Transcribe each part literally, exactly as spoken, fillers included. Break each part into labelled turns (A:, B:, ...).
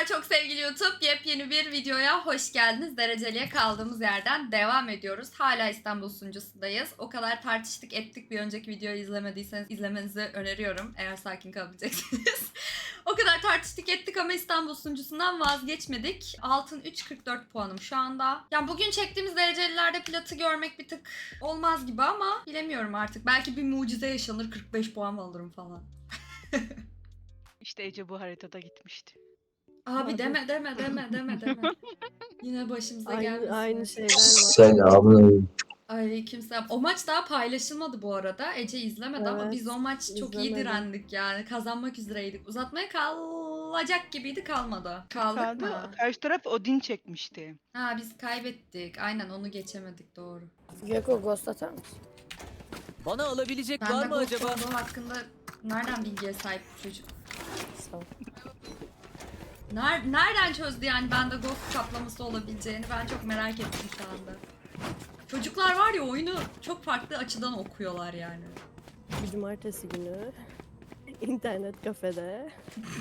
A: çok sevgili YouTube. Yepyeni bir videoya hoş geldiniz. Dereceliye kaldığımız yerden devam ediyoruz. Hala İstanbul sunucusundayız. O kadar tartıştık ettik, bir önceki videoyu izlemediyseniz izlemenizi öneriyorum. Eğer sakin kalabileceksiniz. O kadar tartıştık ettik ama İstanbul sunucusundan vazgeçmedik. Altın üç kırk dört puanım şu anda. Yani bugün çektiğimiz derecelilerde platı görmek bir tık olmaz gibi ama bilemiyorum artık. Belki bir mucize yaşanır, kırk beş puan alırım falan.
B: İşte Ece bu haritada gitmişti.
A: Abi deme deme deme deme deme. Yine başımıza
C: Aynı,
A: gelmesin.
C: aynı şeyler var.
D: Selamünaleyküm.
A: Aleykümselam. O maç daha paylaşılmadı bu arada. Ece izlemedi ama
C: Evet,
A: biz o maç çok iyi
C: izlemedim.
A: direndik yani. Kazanmak üzereydik. Uzatmaya kalacak gibiydi, kalmadı. Kaldık
B: Kaldı.
A: mı?
B: Karşı taraf Odin çekmişti.
A: Ha biz kaybettik. Aynen onu geçemedik, doğru.
E: Gecko ghost atar mısın?
F: Bana alabilecek
A: Ben
F: var
A: de
F: mı
A: Ghost
F: acaba?
A: olduğu hakkında nereden bilgiye sahip bu çocuk?
E: Sağ ol.
A: Ner nereden çözdü yani bende Ghost kaplaması olabileceğini? Ben çok merak ettim şu anda. Çocuklar var ya, oyunu çok farklı açıdan okuyorlar yani.
C: Bir cumartesi günü internet kafede.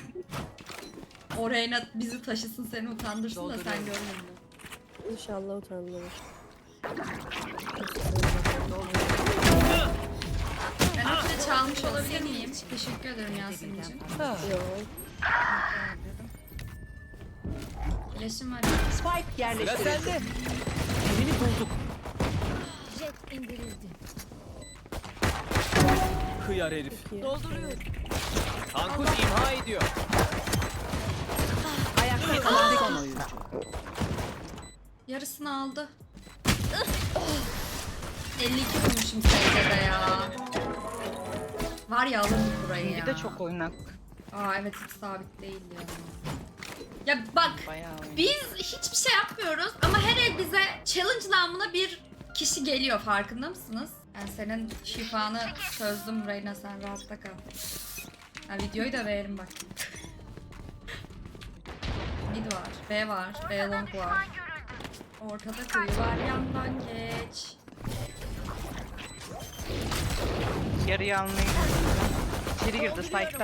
A: O Reyna bizi taşısın, seni utandırsın da sen
F: Dolduruyorum.
A: görmedin.
C: İnşallah utandırır.
A: Ben ötüde çalmış olabilir miyim? Teşekkür ederim Yasemin'ciğim.
C: Yok.
A: İlaçım var.
G: Spike
F: Sıra
G: yerleştirildi.
F: sende. Birini bulduk.
G: Jet indirildi.
F: Kıyar herif.
C: İyi.
G: Dolduruyorum.
F: Kankuş imha ediyor.
G: Ayakta kalan son oyuncu.
A: Yarısını aldı. elli iki vurmuşum secdede ya. Var ya, alırdık burayı ya.
B: Bir de çok oynak.
A: Aa evet, hiç sabit değil ya. Ya bak,
B: Bayağı oynak.
A: biz hiçbir şey yapmıyoruz ama her el bize challenge namına bir kişi geliyor, farkında mısınız? Yani senin şifanı çözdüm Reyna, sen rahatta kal. Ha, videoyu da verelim bak. Mid var, B var, B long var. Ortada kuyu var, yandan geç.
B: Yarıyı almayı İçeri girdi site'da.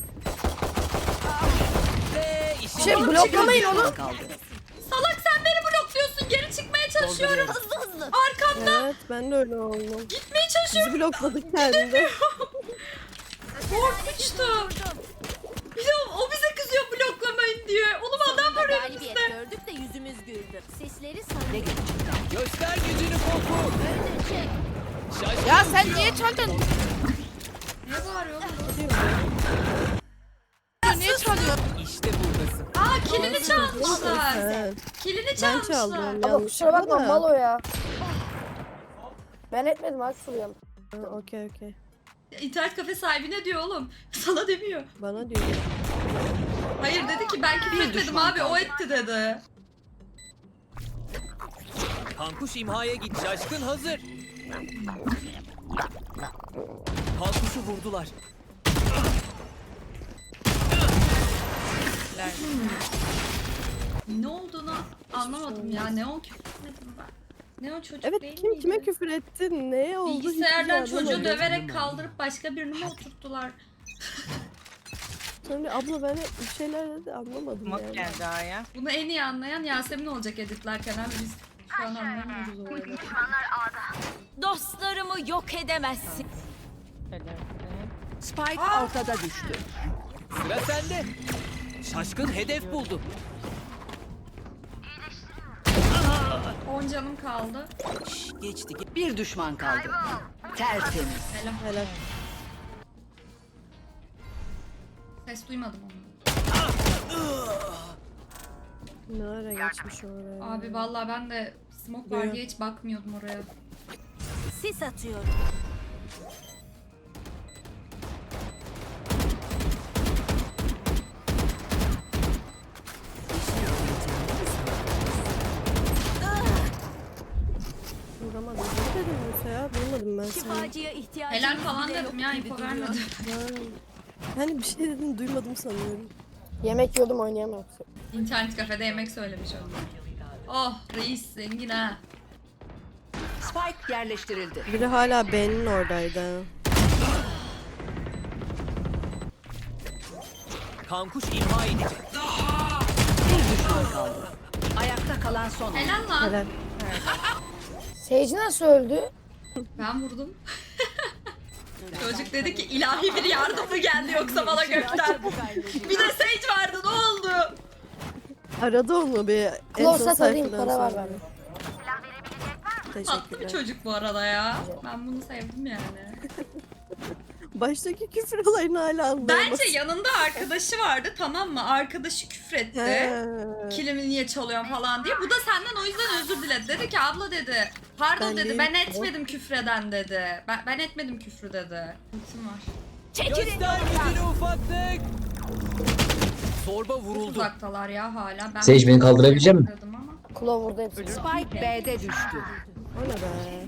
F: Ve işin
E: Şey
A: Oğlum,
E: bloklamayın
A: çıkın.
E: onu.
G: Kaldı.
A: Salak, sen beni blokluyorsun, geri çıkmaya çalışıyorum.
G: Hızlı hızlı.
A: Arkamda
C: Evet, ben de öyle oldum.
A: gitmeye çalışıyorum.
C: Bizi blokladık kendi.
A: Korkunçtu. Bir de o, o bize kızıyor bloklamayın diye. Oğlum adam var
G: Galibiyet
A: önümüzde.
G: gördük de yüzümüz güldü. Sesleri sana geçecekler.
F: göster gücünü Koku.
G: Öldürecek.
F: Şaşkın
E: Ya sen
F: uçuyor.
E: niye çaldın?
A: Ne bağırıyor oğlum?
E: Niye çalıyorsun?
F: İşte buradasın.
A: Aa, kilini çalmışlar.
C: Evet.
A: Kilini
C: Ben
A: çalmışlar.
C: çaldım
E: Ama kusura
C: yanlışlıkla
E: bakma
C: da.
E: mal o ya. Ben etmedim Aksul ya.
C: Ha, Okey okey.
A: İnternet kafe sahibi ne diyor oğlum? Sana demiyor.
C: Bana diyor.
A: Hayır, dedi ki ben küfür etmedim abi, o etti dedi.
F: Kankuş imhaya git. Şaşkın hazır. Kankuşu vurdular.
A: Ne olduğunu anlamadım ya. Neon küfür etmedim ben. Neon çocuk
C: Evet,
A: değil
C: kim
A: miydi?
C: kime küfür etti? Neye oldu? hiçbir
A: Bilgisayardan
C: şey
A: çocuğu
C: anlamadım.
A: döverek kaldırıp başka birini mi oturttular?
C: Sonra abla ben hep bir şeyler dedi anlamadım
B: Mak
C: yani.
B: geldi A'ya.
A: Bunu en iyi anlayan Yasemin olacak editlerken abi, biz şu an anlamıyoruz olayları.
G: Dostlarımı yok edemezsin. Spike ortada düştü.
F: Sıra sende. Şaşkın hedef buldu.
A: on canım kaldı.
F: Geçti.
G: Bir düşman kaldı. Tertemiz.
A: Helal.
C: Helal.
A: Ses duymadım onu.
C: Ne ara geçmiş oraya?
A: Abi vallahi ben de smoke var diye hiç bakmıyordum oraya.
G: Sis atıyorum.
C: Vuramadım. Ne dedim Musa ya? Duymadım ben seni.
G: Şifacıya ihtiyacım
A: Helal falan dedim ya, info vermedim.
C: Ha. Hani bir şey dedin duymadım sanıyorum.
E: Yemek yiyordum oynayamam.
A: İnternet kafede yemek söylemiş o. Oh reis zengin ha.
G: Spike yerleştirildi.
C: Biri hala B'nin oradaydı.
F: Kankuş imha edecek.
G: kalan son oyuncu.
A: Helal lan.
C: Helal.
E: Sage nasıl öldü?
A: Ben vurdum. Çocuk dedi ki ilahi bir yardım mı geldi yoksa bana gökten. Bir de Sage vardı, ne oldu?
C: Aradı onu bir en
E: Close'a
C: son
E: alayım,
C: sayfadan
E: para var
C: sonra.
E: bende.
A: Tatlı bir
C: Teşekkürler.
A: çocuk bu arada ya. Ben bunu sevdim yani.
C: Baştaki küfür olayını hala anlayamadım.
A: Bence yanında arkadaşı vardı, tamam mı? Arkadaşı küfretti.
C: He.
A: Kilimi niye çalıyorsun falan diye. Bu da senden o yüzden özür diledi. Dedi ki abla dedi. Pardon
C: Ben
A: dedi.
C: değil.
A: Ben etmedim küfreden dedi. Ben, ben etmedim küfrü dedi. Ultim var.
F: Göster gücünü ufaklık. Zorba vuruldu.
A: Uzaktalar ya hala. Ben
D: Sage, beni kaldırabilecek misin?
A: dedim ama.
E: Kulağı vurdu hepsini.
G: Spike B'de düştü.
C: O ne be?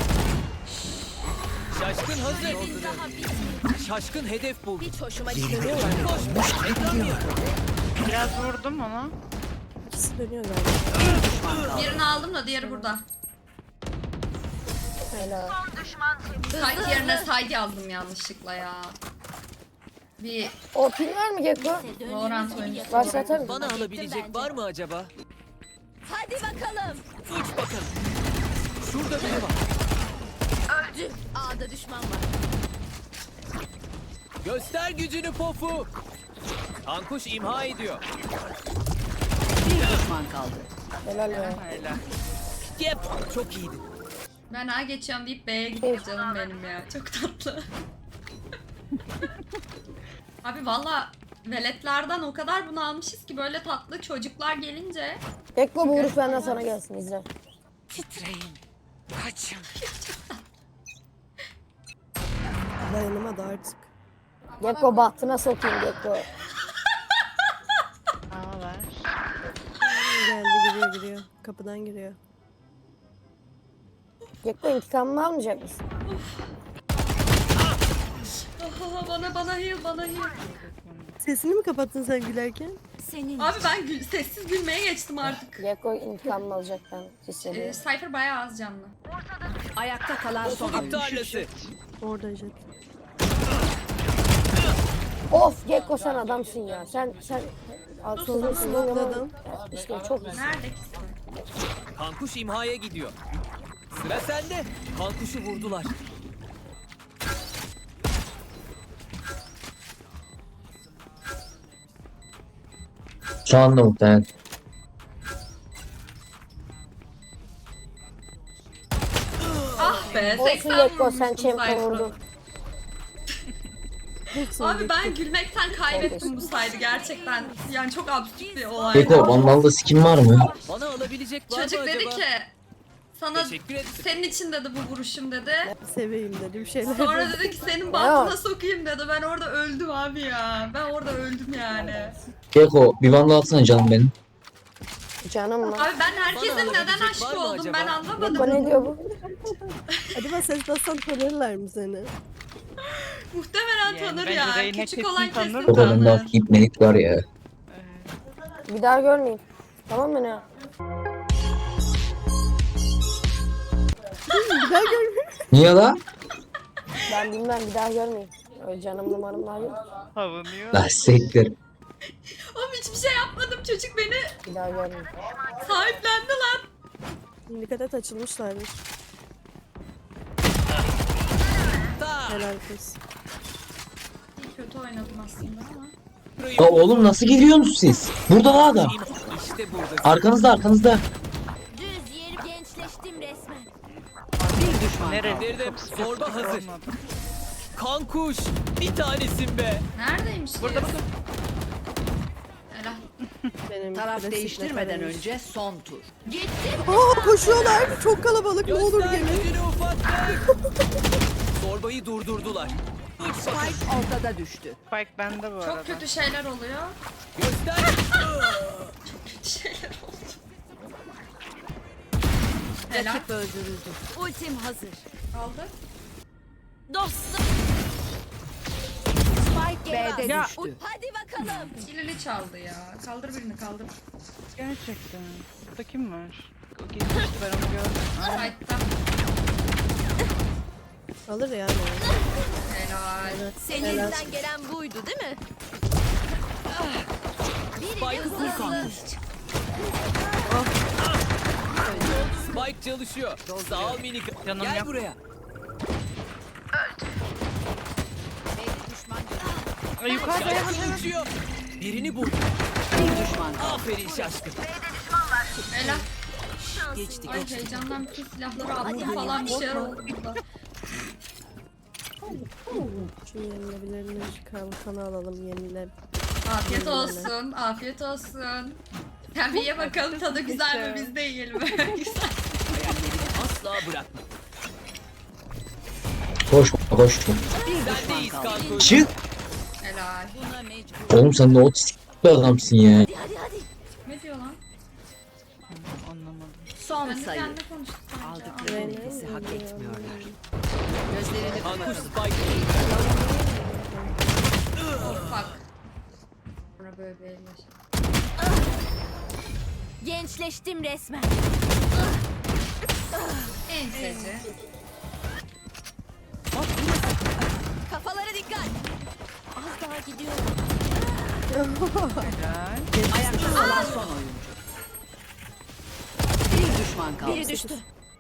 F: Şaşkın hazır. Şaşkın hedef buldu.
E: Hiç hoşuma gitmiyor.
F: Koş. Ekran mı?
B: Biraz vurdum ona.
C: İkisi dönüyor galiba.
A: Birini aldım da diğeri burada.
E: Helal.
A: Side yerine side yazdım yanlışlıkla ya. Bir
E: O pil var mı Gekko?
A: Valorant oyuncusu.
E: Varsa atarım.
F: Bana alabilecek var mı acaba?
G: Hadi bakalım.
F: Uç bakalım. Şurada biri var.
G: A'da düşman var.
F: Göster gücünü pofu. Kankuş imha ediyor.
G: Bir düşman kaldı.
E: Helal ya.
B: Helal.
F: Yep. Çok iyiydi.
A: Ben A geçiyorum deyip B'ye gitti canım benim ya. Çok tatlı. Abi valla veletlerden o kadar bunu almışız ki böyle tatlı çocuklar gelince.
E: Gekko bu vuruş benden sana gelsin izle.
C: Dayanamadı artık.
E: Gekko bahtına sokayım Gekko.
B: A ver.
C: Geldi giriyor giriyor. Kapıdan giriyor.
E: Gekko intikamını almayacak mısın?
A: Aha, bana bana heal bana heal.
C: Sesini mi kapattın sen gülerken?
G: Senin
A: Abi ben gül- sessiz gülmeye geçtim artık.
E: Gekko intikamını alacak ben
A: Ee,
E: hissediyorum.
A: Cypher bayağı az canlı.
G: ayakta kalan son
F: Pofu
G: oyuncu.
F: tarlası.
C: Orada jet.
E: Of Gekko sen adamsın ya. Sen sen sözün
C: smokladım.
E: İşte çok iyisin.
A: Nerede ki?
F: Kankuş imhaya gidiyor. Sıra sende. Kankuşu vurdular.
D: Şu anda muhtemelen.
A: Ah be
E: Olsun
A: seksen
E: Gekko sen
A: vurmuştum
E: champion
A: Cypher'ı.
E: vurdun.
A: Abi ben gülmekten kaybettim bu saydı gerçekten. Yani çok absürt bir olay.
D: Beko, vandalda skin var mı?
F: Bana alabilecek var
A: Çocuk
F: mı
A: dedi
F: acaba?
A: ki sana
F: Teşekkür ederim.
A: senin için dedi bu vuruşum dedi.
C: Seveyim dedim şeyler.
A: Sonra dedi ki senin bahtına sokayım dedi. Ben orada öldüm abi ya. Ben orada öldüm yani.
D: Beko, bir vandal atsana canım benim.
E: Canım mı?
A: Abi ben herkesin
F: Bana
A: neden
F: alabilecek var
A: aşık
F: mı
A: oldum
F: acaba?
A: ben
E: Gekko
A: anlamadım.
E: ne diyor bu?
C: Acaba ses bassan tanırlar mı seni?
A: Muhtemelen
B: Yani
A: tanır
B: bence
A: ya.
B: Reyna
A: Küçük
B: kesin
A: olan
B: tanır
A: kesin
B: da.
D: Beko bende
A: tanır.
D: hafif ibnelik var ya.
E: Bir daha görmeyeyim. Tamam mı ne?
C: Bir daha görmüyorum.
D: Niye la?
E: Ben bilmem bir daha görmeyeyim. Öyle canım numaram var yok.
B: Savunuyor.
D: La siktir.
A: Oğlum hiçbir şey yapmadım. Çocuk beni
E: Bir daha görmeyeyim.
A: sahiplendi lan.
C: Dikkat et açılmışlardır.
F: Ta.
C: Helal kız.
A: İyi kötü oynadım aslında ama.
D: Ya oğlum nasıl gidiyorsunuz siz? Burada la adam.
F: İşte burada.
D: Arkanızda arkanızda.
G: Düz yeri gençleştim resmen. Bir düşman
B: Nerede?
G: kaldı.
F: Dedim, zorba hazır.
B: Olmadı.
F: Kankuş. Bir tanesin be.
A: Neredeymiş ki?
B: Burada bakın.
A: Helal.
C: Benim
G: Taraf
C: klasikle
G: değiştirmeden
C: tanırız.
G: önce son tur.
C: Aa koşuyorlar. Çok kalabalık. Ne olur
F: Göster
C: gelin.
F: gücünü ufaklık. Zorbayı durdurdular. Uç bakalım.
G: Spike ortada düştü.
B: Spike bende bu arada.
A: Çok kötü şeyler oluyor.
F: Göster.
A: Kötü şeyler oldu. Helal.
G: Rakip öldürüldü. Ultim hazır.
A: Kaldı.
G: Dostum. Spike B'de
B: Ya,
G: düştü. Hadi bakalım.
A: Kilili çaldı ya. Kaldır birini kaldır.
B: Gerçekten. Burada kim var? O gitmişti ben onu gördüm. Aa,
A: Side'da.
C: Alır yani.
A: Helal.
G: Senin
C: Helal.
G: elinden gelen buydu değil mi?
F: Spike'ı vur Kankuş. Spike çalışıyor. Sağ ol minik.
B: Canım
F: Gel
B: yok.
F: buraya.
B: Ay, yukarıda ya.
F: Şaşkın uçuyor. Birini bul. Aferin şaşkın.
A: Helal.
F: Geçtik.
A: Ay heyecandan bütün silahları attım falan bir şeyler oldu burada.
C: Şu yenilebilirleri kalkanı alalım yenile.
A: Afiyet olsun, afiyet olsun. Sen bir ye bakalım tadı güzel mi, biz de yiyelim. Güzel.
F: Asla bırakma.
D: Koşma koşma.
F: Sendeyiz kanka.
D: Çık.
A: Helal.
D: Oğlum sen de otistik bir adamsın ya.
G: Hadi hadi.
A: Ne diyor lan?
B: Anlamadım.
G: Son
A: Ben de
G: sayı.
A: kendine konuştuk sanki.
G: Aldıkları
A: Aa,
G: nefesi hak etmiyorlar.
F: Kankuş Spike.
A: Bak. Sonra böyle bir el yaşa.
G: Gençleştim resmen.
A: Enseci.
G: Kafalara dikkat. Az daha gidiyorum.
B: Helal.
H: Ayakta kalan son oyuncu. Bir düşman kaldı.
G: Biri düştü.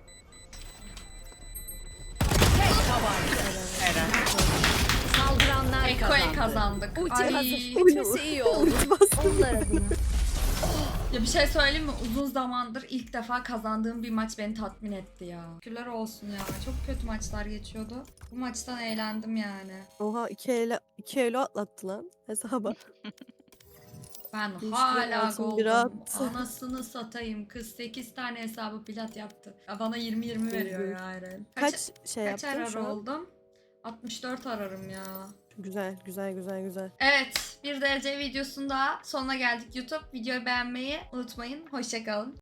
B: Helal.
G: Saldıranlar
A: Eko'ya
G: kazandı.
A: kazandık.
G: Ulti
A: Ay.
G: hazır. Gitmesi iyi oldu. Onlar adına.
A: Ya bir şey söyleyeyim mi? Uzun zamandır ilk defa kazandığım bir maç beni tatmin etti ya. Şükürler olsun ya. Çok kötü maçlar geçiyordu. Bu maçtan eğlendim yani.
C: Oha iki ele iki elo atlattı lan hesaba.
A: Ben
C: Üç
A: hala
C: lira altın bir
A: goldum.
C: attı.
A: Anasını satayım. Kız sekiz tane hesabı plat yaptı. Ya bana yirmi yirmi veriyor ya Eren.
C: Kaç şey
A: kaç
C: yaptın
A: arar
C: şu an?
A: oldum? altmış dört ararım ya.
C: Güzel güzel güzel güzel.
A: Evet, bir derece videosunda sonuna geldik YouTube. Videoyu beğenmeyi unutmayın. Hoşçakalın.